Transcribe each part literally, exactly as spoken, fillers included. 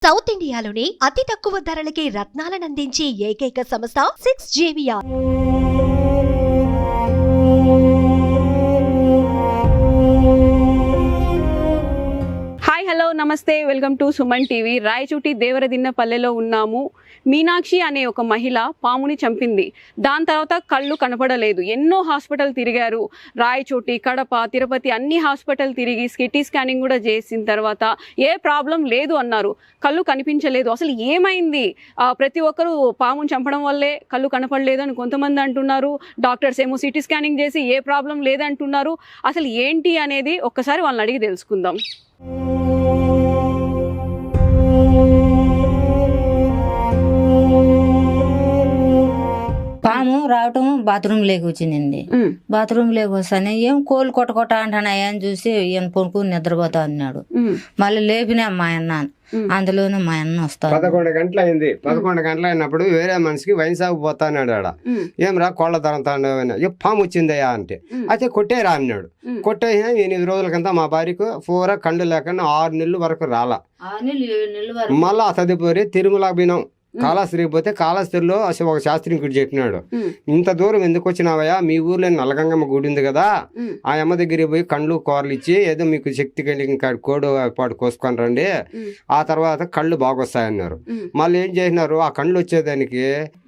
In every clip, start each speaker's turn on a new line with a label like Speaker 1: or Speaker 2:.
Speaker 1: South ఇండియాలోని అతి తక్కువ ధరలకి రత్నాలను అందించే ఏకైక సంస్థ సిక్స్ జేవిఆర్.
Speaker 2: హాయ్ హలో నమస్తే, welcome to Suman TV. Rayachoti దేవరదిన్నపల్లెలో ఉన్నాము. మీనాక్షి అనే ఒక మహిళ పాముని చంపింది. దాని తర్వాత కళ్ళు కనపడలేదు. ఎన్నో హాస్పిటల్ తిరిగారు. రాయచోటి, కడప, తిరుపతి అన్ని హాస్పిటల్ తిరిగి సిటీ స్కానింగ్ కూడా చేసిన తర్వాత ఏ ప్రాబ్లం లేదు అన్నారు. కళ్ళు కనిపించలేదు. అసలు ఏమైంది? ప్రతి ఒక్కరూ పాముని చంపడం వల్లే కళ్ళు కనపడలేదు అని కొంతమంది అంటున్నారు. డాక్టర్స్ ఏమో సిటీ స్కానింగ్ చేసి ఏ ప్రాబ్లం లేదంటున్నారు. అసలు ఏంటి అనేది ఒక్కసారి వాళ్ళని అడిగి తెలుసుకుందాం.
Speaker 3: పాము రావటం బాత్రూమ్ లేకి వచ్చిందండి. బాత్రూమ్ లేకి వస్తానే ఏం కోళ్ళు కొట్ట కొట్ట అంటున్నాయి అని చూసి ఈయన పొనుకుని నిద్రపోతా అన్నాడు. మళ్ళీ లేపినా మా అన్న, అందులోనే మా అన్న వస్తాడు.
Speaker 4: పదకొండు గంటలు అయింది. పదకొండు గంటలు అయినప్పుడు వేరే మనిషికి వైన్ సాగు పోతా అన్నాడు. ఆడ ఏం రా కోళ్ళ తరంతా పాము వచ్చిందయ్యా అంటే అయితే కొట్టేరా అన్నాడు. కొట్టేసిన ఎనిమిది రోజులకంతా మా భార్యకు పూర కండు లేకుండా ఆరు నెలలు వరకు రాలా. మళ్ళా తదుపరి తిరుమల బినం కాళాస్త్రికి పోతే కాళాస్త్రిలో అసలు ఒక శాస్త్రికుడు చెప్పినాడు, ఇంత దూరం ఎందుకు వచ్చినావయ్యా, మీ ఊర్లో నల్లగంగమ్మ గుడి ఉంది కదా, ఆ అమ్మ దగ్గరికి పోయి కండ్లు కూరలు ఇచ్చి ఏదో మీకు శక్తి కలిగిన కోడు పాటు కోసుకొని రండి, ఆ తర్వాత కళ్ళు బాగొస్తాయన్నారు. మళ్ళీ ఏం చేసినారు, ఆ కండ్లు వచ్చేదానికి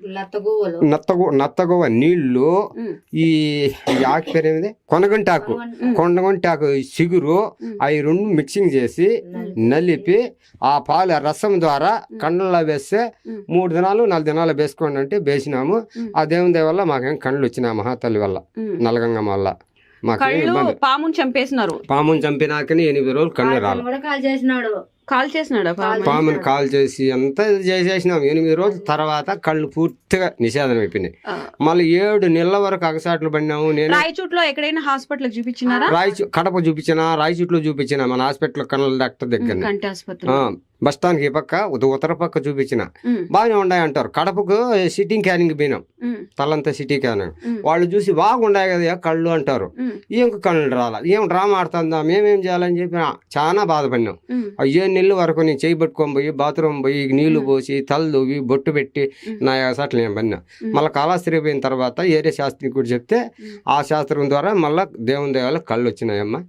Speaker 4: నత్తగు నత్తగువ నీళ్లు, ఈ ఆకు పేరు ఏమిది కొనగంటాకు కొనగంటాకు సిగురు, అవి రెండు మిక్సింగ్ చేసి నలిపి ఆ పాలు రసం ద్వారా కండ్లలో వేస్తే మూడు దినాలు నాలుగు దినాలు వేసుకోండి అంటే వేసినాము. ఆ దేవుని దయ వల్ల మాకేం కండ్లు వచ్చినాయి మహాతల్లి వల్ల, నలగంగమ్మ వల్ల. మాకు
Speaker 2: పాముని చంపేసినారు.
Speaker 4: పాముని చంపినాకని ఎనిమిది రోజులు కళ్ళు రాలి
Speaker 2: కాల్ చేసినాడు.
Speaker 4: పాముని కాల్ చేసి అంతా చేసేసినాం. ఎనిమిది రోజుల తర్వాత కళ్ళు పూర్తిగా నిషేధం అయిపోయినాయి. మళ్ళీ ఏడు నెలల వరకు అగసాట్లు పడినాము. నేను
Speaker 2: రాయచూట్లో ఎక్కడైనా హాస్పిటల్ చూపించినారా?
Speaker 4: రాయచూ కడప చూపించిన, రాయచూట్లో చూపించిన, మన హాస్పిటల్ కన్నుల డాక్టర్ దగ్గర బస్ స్టాండ్ కి పక్క ఉత్తర పక్క చూపించిన, బాగానే ఉన్నాయి అంటారు. కడపకు సిటీ క్యానింగ్ పోయినాం, తలంతా సిటీ క్యానింగ్. వాళ్ళు చూసి బాగుండాయి కదా కళ్ళు అంటారు. ఏం కళ్ళు రాలా, ఏం డ్రామా ఆడుతుందా, మేమేం చేయాలని చెప్పి చాలా బాధపడినాం. అయ్యే నెలల వరకు నేను చేయి పట్టుకొని పోయి బాత్రూమ్ పోయి నీళ్లు పోసి తల దువ్వి బొట్టు పెట్టి నా సాట్లు నేను పడినా. మళ్ళీ కాళాస్త్రి పోయిన తర్వాత ఏరే శాస్త్రికుడు చెప్తే ఆ శాస్త్రం ద్వారా మళ్ళా దేవుని దేవాల కళ్ళు వచ్చినాయమ్మా.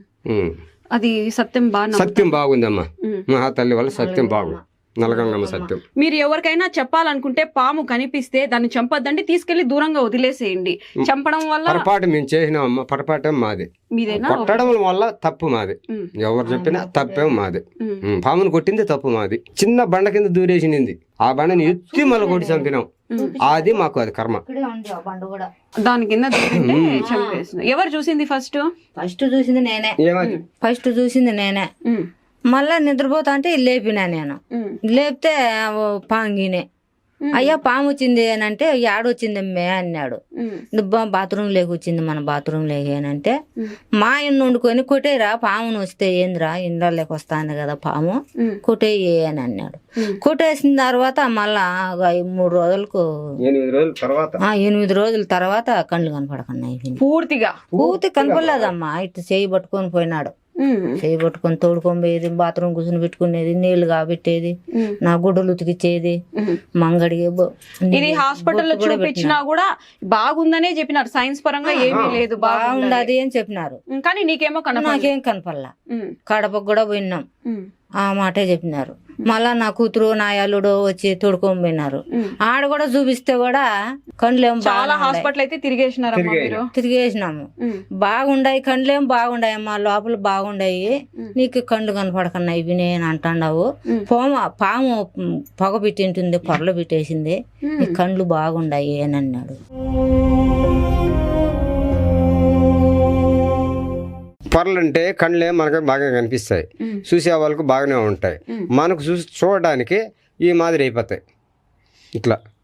Speaker 2: అది సత్యం బాగా
Speaker 4: సత్యం బాగుందమ్మా, మహాతల్లి వల్ల సత్యం బాగుంది, నలగంగమ్మ సత్యం.
Speaker 2: మీరు ఎవరికైనా చెప్పాలనుకుంటే పాము కనిపిస్తే దాన్ని చంపొద్దండి, తీసుకెళ్లి దూరంగా వదిలేసేయండి. చంపడం వల్ల
Speaker 4: పొరపాటు మేము చేసినామమ్మా, పొరపాటు మాది. కొట్టడం వల్ల తప్పు మాది, ఎవరు చెప్పినా తప్పేం మాది. పామును కొట్టింది తప్పు మాది. చిన్న బండ కింద దూరేసింది, ఆ బండని ఎత్తి మళ్ళీ కొట్టి చంపినాం. అది మాకు అది కర్మ.
Speaker 2: దాని కింద చంపేసిన. ఎవరు చూసింది ఫస్ట్?
Speaker 3: ఫస్ట్ చూసింది నేనే. ఫస్ట్ చూసింది నేనే. మళ్ళా నిద్రపోతా అంటే లేపినా నేను. లేపితే పాంగినే, అయ్యా పాము వచ్చింది అని అంటే ఏడొచ్చింది మే అన్నాడు. బాత్రూమ్ లేక వచ్చింది, మన బాత్రూమ్ లేక అంటే మా ఇన్ను వండుకొని కొట్టేరా పామును వస్తే ఏందిరా ఇంట్లో లేక వస్తాను కదా పాము కొట్టేయి అని అన్నాడు. కొట్టేసిన తర్వాత మళ్ళా మూడు రోజులకు
Speaker 4: ఎనిమిది రోజుల తర్వాత
Speaker 3: ఎనిమిది రోజుల తర్వాత కళ్ళు కనపడకున్నాయి.
Speaker 2: పూర్తిగా పూర్తి
Speaker 3: కనపడలేదమ్మా. ఇటు చేయి పట్టుకొని పోయినాడు, చేయి పట్టుకొని తోడుకొని పోయేది, బాత్రూమ్ కూర్చొని పెట్టుకునేది, నీళ్లు కాబెట్టేది, నా గుడ్డలు ఉతికిచ్చేది, మంగడి.
Speaker 2: ఇది హాస్పిటల్లో చూపించినా కూడా బాగుందనే చెప్పినారు, సైన్స్ పరంగా ఏమీ లేదు
Speaker 3: బాగుండదు అని చెప్పినారు.
Speaker 2: కానీ నీకేమో
Speaker 3: నాకేం కనపడలా. కడపకు కూడా పోయినాం, ఆ మాటే చెప్పినారు. మళ్ళా నా కూతురు నా అల్లుడు వచ్చి తోడుకొని పోయినారు. ఆడ కూడా చూపిస్తే కూడా కండ్లేం
Speaker 2: హాస్పిటల్ అయితే తిరిగేసినారు
Speaker 3: తిరిగేసినాము. బాగుండాయి కండ్లేం బాగుండాయి అమ్మా, లోపల బాగుండాయి, నీకు కండ్లు కనపడకన్నాయి ఇవి నేను అంటాండావు. పాము పాము పొగ పెట్టింటుంది, పొరలు పెట్టేసింది, నీ కండ్లు బాగుండాయి అని అన్నాడు.
Speaker 4: పొరలంటే కళ్ళే మనకు బాగా కనిపిస్తాయి, చూసే వాళ్ళకు బాగానే ఉంటాయి. మనకు చూసి చూడడానికి ఈ మాదిరి అయిపోతాయి. ఇట్లా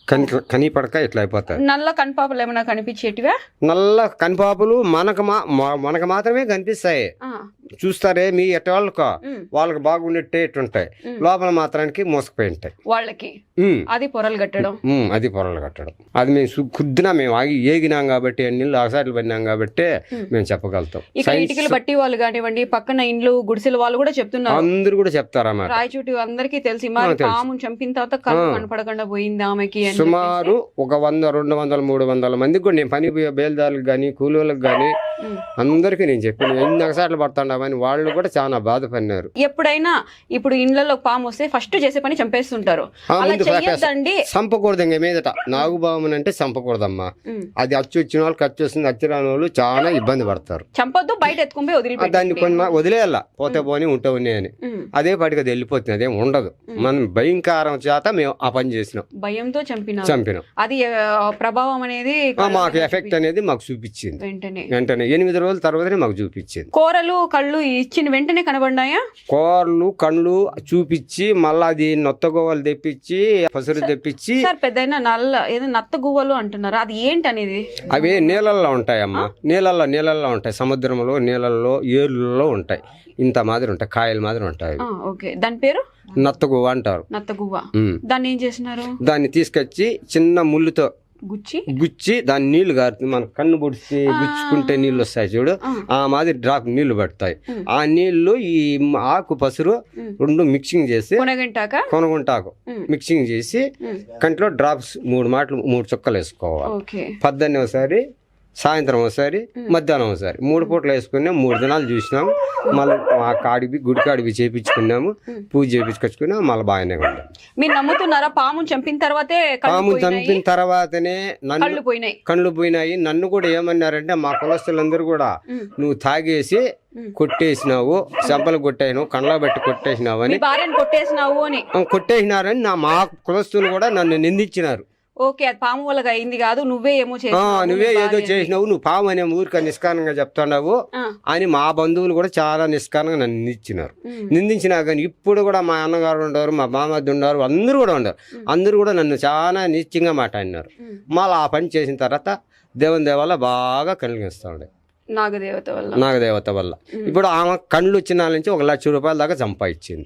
Speaker 4: కని కని పడక ఇట్లా అయిపోతాయి.
Speaker 2: నల్ల కనిపాపలు ఏమైనా కనిపించేటివా?
Speaker 4: నల్ల కనిపాపులు మనకు మా మా- మనకు మాత్రమే కనిపిస్తాయి.
Speaker 2: ఆ,
Speaker 4: చూస్తారే మీ ఎట్ట వాళ్ళకో
Speaker 2: ఉమ్,
Speaker 4: వాళ్ళకి బాగుండేట్టే ఇట్టుంటాయి,
Speaker 2: ఉమ్.
Speaker 4: లోపల మాత్రానికి మోసపోయి ఉంటాయి.
Speaker 2: వాళ్ళకి
Speaker 4: ఉమ్,
Speaker 2: అది పొరలు కట్టడం.
Speaker 4: ఉమ్, అది పొరలు కట్టడం. అది మేము సు- కుద్దినా మేము ఆగి ఏగినాం కాబట్టి నీళ్ళు ఆసాట్లు పడినాం కాబట్టి
Speaker 2: ఉమ్.
Speaker 4: మేము చెప్పగలుగుతాం.
Speaker 2: ఇక్కడ
Speaker 4: సైన్స్
Speaker 2: ఇటుకలు బట్టి వాళ్ళు కానివ్వండి, పక్కన ఇండ్లు గుడిసెల వాళ్ళు కూడా చెప్తున్నారు.
Speaker 4: అందరూ కూడా చెప్తారన్నమాట.
Speaker 2: రాయచూటి అందరికీ తెలిసి మరి
Speaker 4: తెలుసు.
Speaker 2: పాము చంపిన తర్వాత కళ్ళు
Speaker 4: ఆ.
Speaker 2: కనపడకుండా పోయింది ఆమెకి అని
Speaker 4: సుమారు ఒక వంద రెండు వందల మూడు వందల మందికి కూడా నేను పని పోయే బేల్దారులకు కానీ కూలీలకు కానీ
Speaker 2: చెప్పేసి. ఉమ్.
Speaker 4: అందరికీ నేను చెప్పాను ఎన్ని ఒకసార్లు పడుతున్నామని. వాళ్ళు కూడా చాలా బాధపడినారు.
Speaker 2: ఎప్పుడైనా ఇప్పుడు ఇండ్లలో పాము వస్తే ఫస్ట్ చేసే పని చంపేస్తుంటారు.
Speaker 4: ఆ,
Speaker 2: అలా
Speaker 4: ముందు
Speaker 2: చెయ్యొద్దండి.
Speaker 4: చంపకూడదు ఇంక మీదట. నాగుబాముని అంటే చంపకూడదమ్మా.
Speaker 2: ఉమ్.
Speaker 4: అది అచ్చు వచ్చిన వాళ్ళు ఖర్చు వస్తుంది, అచ్చు రాని వాళ్ళు చాలా ఇబ్బంది పడతారు.
Speaker 2: చంపొద్దు, బయట ఎత్తుకొని పోయి
Speaker 4: ఆ, దాన్ని
Speaker 2: వదిలిపెట్టండి.
Speaker 4: కొన్ని వదిలేయాల, పోతే పోని ఉంటే ఉన్నాయి అని.
Speaker 2: ఉమ్.
Speaker 4: అదే పాటికి అది వెళ్ళిపోతుంది, అదేం ఉండదు. మనం భయంకరం చేత మేము ఆ పని చేసినాం,
Speaker 2: భయంతో చంపినారు.
Speaker 4: చంపినాం.
Speaker 2: అది ఆ, ప్రభావం అనేది
Speaker 4: ఆ, మాకు ఎఫెక్ట్ అనేది మాకు చూపించింది.
Speaker 2: వెంటనే
Speaker 4: వెంటనే ఎనిమిది రోజుల తర్వాతనే మాకు చూపించింది.
Speaker 2: కూరలు కళ్ళు ఇచ్చిన వెంటనే కనబడ్డాయా?
Speaker 4: కోర్లు కళ్ళు చూపించి మళ్ళీ అది నొత్తగోవలు తెప్పించి పసురు తెప్పించి
Speaker 2: సార్ పెద్దయినా నల్ల ఏదో నత్త గువ్వలు అంటున్నారు, అది ఏంటి అనేది?
Speaker 4: అవి నీళ్ళల్లో ఉంటాయమ్మా. నీళ్ళల్లో నీళ్ళల్లో ఉంటాయి, సముద్రంలో నీళ్ళల్లో ఏర్లలో ఉంటాయి. ఇంత మాదిరి ఉంటాయి, కాయల మాదిరి ఉంటాయి.
Speaker 2: ఆ, ఓకే. దాని పేరు
Speaker 4: నత్తగువ్వ అంటారు.
Speaker 2: నత్త గువ్వ.
Speaker 4: ఉమ్.
Speaker 2: దాన్ని ఏం చేసినారు?
Speaker 4: దాన్ని తీసుకొచ్చి చిన్న ముళ్ళుతో
Speaker 2: గుచ్చి
Speaker 4: గుచ్చి దాని నీళ్లు గారుతుంది. మన కన్ను పొడిచి గుచ్చుకుంటే నీళ్ళు వస్తాయి చూడు,
Speaker 2: ఆ.
Speaker 4: ఆ మాదిరి డ్రాప్ నీళ్లు పడతాయి.
Speaker 2: ఉమ్.
Speaker 4: ఆ నీళ్లు ఈ ఆకు పసురు
Speaker 2: ఉమ్.
Speaker 4: రెండు మిక్సింగ్ చేసి
Speaker 2: కొనగంటాక
Speaker 4: కొనుగుంటాకు
Speaker 2: ఉమ్.
Speaker 4: మిక్సింగ్ చేసి
Speaker 2: ఉమ్.
Speaker 4: కంట్లో డ్రాప్స్ మూడు మాటలు మూడు చుక్కలు వేసుకోవాలి.
Speaker 2: ఓకే.
Speaker 4: పద్దెనిమిది ఒకసారి, సాయంత్రం ఒకసారి, మధ్యాహ్నం ఒకసారి, మూడు పూటలు వేసుకున్నాం. మూడు దినాలు చూసినాము. మళ్ళీ ఆ కాడివి గుడి కాడివి చేపించుకున్నాము, పూజ చేపించుకొచ్చుకున్నాం. మళ్ళీ బాగానే ఉన్నాం.
Speaker 2: మీరు నమ్ముతున్నారా పాము చంపిన తర్వాతే కళ్ళు
Speaker 4: పాము
Speaker 2: పోయినాయి?
Speaker 4: చంపిన తర్వాతనే నన్ను
Speaker 2: కళ్ళు పోయినాయి.
Speaker 4: కళ్ళు పోయినాయి. నన్ను కూడా ఏమన్నారంటే మా కులస్తులందరూ కూడా
Speaker 2: ఉమ్.
Speaker 4: నువ్వు తాగేసి
Speaker 2: ఉమ్.
Speaker 4: కొట్టేసినావు, చెంపలు కొట్టేసినావు, కళ్ళ బట్టి కొట్టేసినావు
Speaker 2: మీ
Speaker 4: అని
Speaker 2: భార్యను కొట్టేసినావు అని.
Speaker 4: కొట్టేసినారని నా మా కులస్తులు కూడా నన్ను నిందించినారు.
Speaker 2: ఓకే, అది పాము వల్ల అయింది కాదు, నువ్వే ఏమో
Speaker 4: ఆ,
Speaker 2: చేసినావు,
Speaker 4: నువ్వే
Speaker 2: మీ
Speaker 4: ఏదో
Speaker 2: భార్య అని.
Speaker 4: చేసినావు, నువ్వు పాము అనే ఊరిక నిష్కారణంగా చెప్తున్నావు
Speaker 2: ఆ.
Speaker 4: అని మా బంధువులు కూడా చాలా నిష్కారణంగా నన్ను నిందించినారు.
Speaker 2: ఉమ్.
Speaker 4: నిందించినా కానీ ఇప్పుడు కూడా మా అన్నగారు ఉండరు, మా మామద్దు ఉన్నారు, అందరూ కూడా ఉండరు. అందరూ కూడా నన్ను చాలా నిత్యంగా మాట్లాడినారు.
Speaker 2: ఉమ్.
Speaker 4: మళ్ళీ ఆ పని చేసిన తర్వాత దేవుని దేవాల బాగా కలిగిస్తూ ఉండే
Speaker 2: నాగదేవత వల్ల.
Speaker 4: నాగదేవత వల్ల. ఇప్పుడు ఆమె కళ్ళు వచ్చిన నుంచి ఒక లక్ష రూపాయల దాకా సంపాదించింది.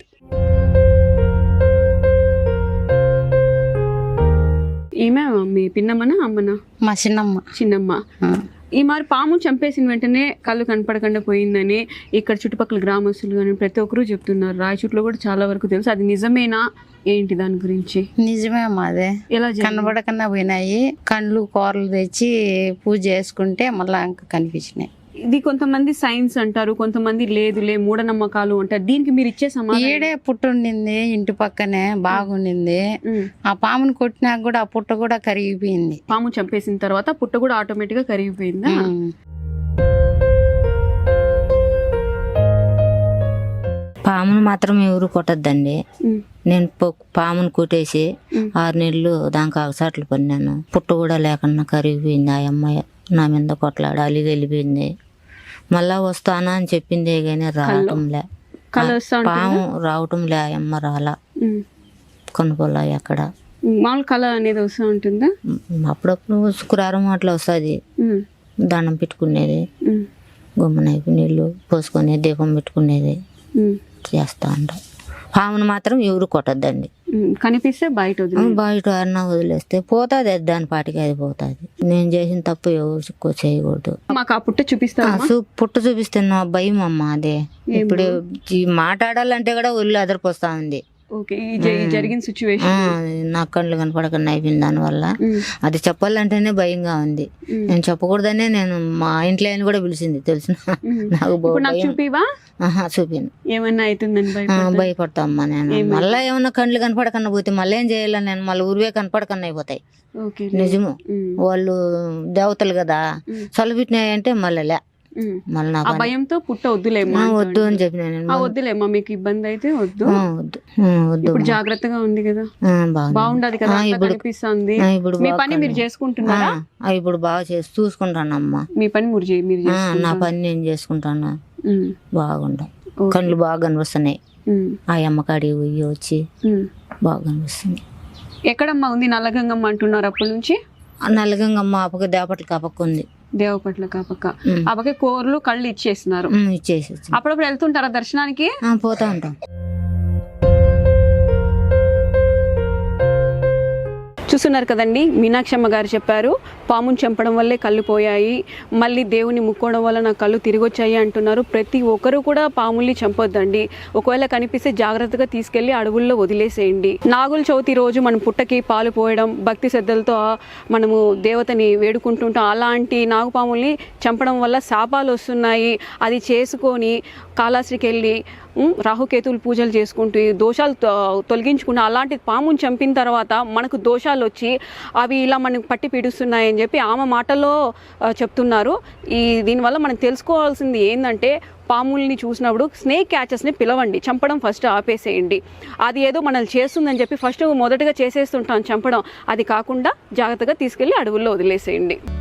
Speaker 2: ఈమె మీ పిన్నమ్మనా అమ్మనా?
Speaker 3: మా చిన్నమ్మ.
Speaker 2: చిన్నమ్మ.
Speaker 3: ఆ.
Speaker 2: ఈ మరి పాము చంపేసిన వెంటనే కళ్ళు కనపడకుండా పోయిందని ఇక్కడ చుట్టుపక్కల గ్రామస్తులు కానీ ప్రతి ఒక్కరూ చెప్తున్నారు. రాయచూట్లో కూడా చాలా వరకు తెలుసు. అది నిజమేనా ఏంటి దాని గురించి?
Speaker 3: నిజమే అదే.
Speaker 2: ఎలా జరిగింది?
Speaker 3: కనబడకన్నా పోయినాయి. కండ్లు కూరలు తెచ్చి పూజ చేసుకుంటే మళ్ళా ఇంకా కనిపించినాయి.
Speaker 2: ఇది కొంతమంది సైన్స్ అంటారు, కొంతమంది లేదులే మూఢనమ్మకాలు అంటారు. దీనికి మీరు ఇచ్చే సమాధానం?
Speaker 3: ఈడే పుట్ట ఉండింది ఇంటి పక్కనే, బాగుండింది.
Speaker 2: ఉమ్.
Speaker 3: ఆ పాముని కొట్టినాక కూడా ఆ పుట్ట కూడా కరిగిపోయింది.
Speaker 2: పాము చంపేసిన తర్వాత పుట్ట కూడా ఆటోమేటిక్ గా కరిగిపోయిందా?
Speaker 3: ఉమ్. పామును మాత్రం ఎవరు కొట్టద్దండి.
Speaker 2: ఉమ్.
Speaker 3: నేను పొ- పామును కొట్టేసి
Speaker 2: ఉమ్.
Speaker 3: ఆరు నెలలు దానికి అవసాట్లు పడినాను. పుట్ట కూడా లేకుండా కరిగిపోయింది. ఆ అమ్మాయి నా మీద కొట్లాడి అలిగి వెళ్ళిపోయింది. మళ్ళా వస్తానా అని చెప్పిందే కానీ రావటంలే.
Speaker 2: కళ వస్తా ఉంటుందా?
Speaker 3: పాము రావటంలే. ఆ అమ్మ రాలా.
Speaker 2: ఉమ్.
Speaker 3: కొనుక్కోలే ఎక్కడ.
Speaker 2: మామూలు కళ అనేది వస్తూ ఉంటుందా?
Speaker 3: ఉమ్, అప్పుడప్పుడు శుక్రవారం అట్లా వస్తుంది.
Speaker 2: ఉమ్.
Speaker 3: దండం పెట్టుకునేది,
Speaker 2: ఉమ్.
Speaker 3: గుమ్మనైపు నీళ్ళు పోసుకొని దీపం పెట్టుకునేది
Speaker 2: ఉమ్.
Speaker 3: చేస్తా ఉంటాం. పామును మాత్రం ఎవరు కొట్టద్దండి.
Speaker 2: ఉమ్. కనిపిస్తే బయట వదిలి.
Speaker 3: బయట అన్న వదిలేస్తే పోతుంది, దాని పాటికి అది పోతుంది. నేను చేసిన తప్పు ఎవరు ఎక్కువ చేయకూడదు.
Speaker 2: మాకు ఆ పుట్ట చూపిస్తా.
Speaker 3: ఆ, చూ- పుట్ట చూపిస్తున్నా భయం అమ్మ అదే. ఇప్పుడు ఈ మాట్లాడాలంటే కూడా ఒళ్ళు అదరిపోస్తా ఉంది.
Speaker 2: ఓకే. ఈ జ- ఈ జరిగిన సిచ్యువేషన్.
Speaker 3: ఆ, నా కళ్ళు కనపడకుండా అయిపోయింది దానివల్ల. అది చెప్పాలంటేనే భయంగా ఉంది. నేను చెప్పకూడదనే నేను మా ఇంట్లో ఆయన కూడా పిలిచింది తెలిసిన. నాకు బో-
Speaker 2: ఇప్పుడు నాకు
Speaker 3: భయం.
Speaker 2: చూపివా?
Speaker 3: ఆహా, చూపిను.
Speaker 2: ఏమన్నా అవుతుందని
Speaker 3: ఆ,
Speaker 2: భయపడతా.
Speaker 3: భయపడతా అమ్మా నేను. మళ్ళీ ఏమన్నా కళ్ళు కనపడకన్నా పోతే మళ్ళీ ఏం చేయాలి నేను? మళ్ళీ ఊరివే కనపడకన్నా అయిపోతాయి.
Speaker 2: ఓకే.
Speaker 3: నిజము.
Speaker 2: ఉమ్.
Speaker 3: వాళ్ళు దేవతలు కదా, చలిపెట్టినాయంటే మళ్ళీ లే
Speaker 2: ఉమ్.
Speaker 3: మళ్ళీ నా
Speaker 2: ఆ
Speaker 3: పని.
Speaker 2: భయంతో పుట్ట వద్దులేమ్మా.
Speaker 3: ఆ, వద్దు అని చెప్పిన నేను.
Speaker 2: ఆ వద్దులేమ్మా, మీకు ఇబ్బంది అయితే వద్దు.
Speaker 3: ఆ, వద్దు ఆ, వద్దు
Speaker 2: ఇప్పుడు జాగ్రత్తగా ఉంది కదా,
Speaker 3: ఆ, బాగుంది.
Speaker 2: బాగుండదు కదా,
Speaker 3: ఆ,
Speaker 2: అంతా
Speaker 3: ఇప్పుడు
Speaker 2: కనిపిస్తుంది.
Speaker 3: ఆ, ఇప్పుడు
Speaker 2: మీ
Speaker 3: బాగా
Speaker 2: పని మీరు చేసుకుంటున్నారా?
Speaker 3: ఆ, ఇప్పుడు బాగా చేసి చూసుకుంటానమ్మా.
Speaker 2: మీ పని మీరు చే- మీరు
Speaker 3: ఆ,
Speaker 2: చేసుకుంటారా?
Speaker 3: నా పని నేను చేసుకుంటాను.
Speaker 2: ఉమ్.
Speaker 3: బాగుండ
Speaker 2: ఓకే.
Speaker 3: కళ్ళు బాగా కనిపిస్తున్నాయి.
Speaker 2: ఉమ్.
Speaker 3: ఆ అమ్మకాడి ఉయ్యి వచ్చి
Speaker 2: ఉమ్.
Speaker 3: బాగా కనిపిస్తుంది.
Speaker 2: ఎక్కడమ్మా ఉంది నల్లగంగమ్మ అంటున్నారు అప్పటి నుంచి?
Speaker 3: ఆ నల్లగంగమ్మ ఆ పక్క దేవపట్ల ఆ పక్క ఉంది.
Speaker 2: దేవపట్ల కాపక్క
Speaker 3: ఉమ్.
Speaker 2: ఆ పక్క కూరలు కళ్ళు ఇచ్చేస్తున్నారు.
Speaker 3: ఉమ్, ఇచ్చేసి వచ్చి.
Speaker 2: అప్పుడప్పుడు వెళ్తుంటారా దర్శనానికి?
Speaker 3: ఆ, పోతా ఉంటాం.
Speaker 2: చూస్తున్నారు కదండి, మీనాక్షమ్మ గారు చెప్పారు పాముని చంపడం వల్లే కళ్ళు పోయాయి, మళ్ళీ దేవుని ముక్కోవడం వల్ల నా కళ్ళు తిరిగి వచ్చాయి అంటున్నారు. ప్రతి ఒక్కరు కూడా పాముల్ని చంపొద్దండి. ఒకవేళ కనిపిస్తే జాగ్రత్తగా తీసుకెళ్లి అడవుల్లో వదిలేసేయండి. నాగుల చవితి రోజు మనం పుట్టకి పాలు పోయడం, భక్తి శ్రద్ధలతో మనము దేవతని వేడుకుంటుంటాం. అలాంటి నాగుపాముల్ని చంపడం వల్ల శాపాలు వస్తున్నాయి. అది చేసుకొని కాళహస్తికి వెళ్ళి రాహుకేతువులు పూజలు చేసుకుంటూ దోషాలు తొలగించుకున్న అలాంటి పాముని చంపిన తర్వాత మనకు దోషాలు వచ్చి అవి ఇలా మనకు పట్టి పీడిస్తున్నాయని చెప్పి ఆమె మాటల్లో చెప్తున్నారు. ఈ దీనివల్ల మనం తెలుసుకోవాల్సింది ఏంటంటే పాముల్ని చూసినప్పుడు స్నేక్ క్యాచెస్ని పిలవండి, చంపడం ఫస్ట్ ఆపేసేయండి. అది ఏదో మనల్ని చేస్తుందని చెప్పి ఫస్ట్ మొదటగా చేసేస్తుంటాం చంపడం, అది కాకుండా జాగ్రత్తగా తీసుకెళ్ళి అడవుల్లో వదిలేసేయండి.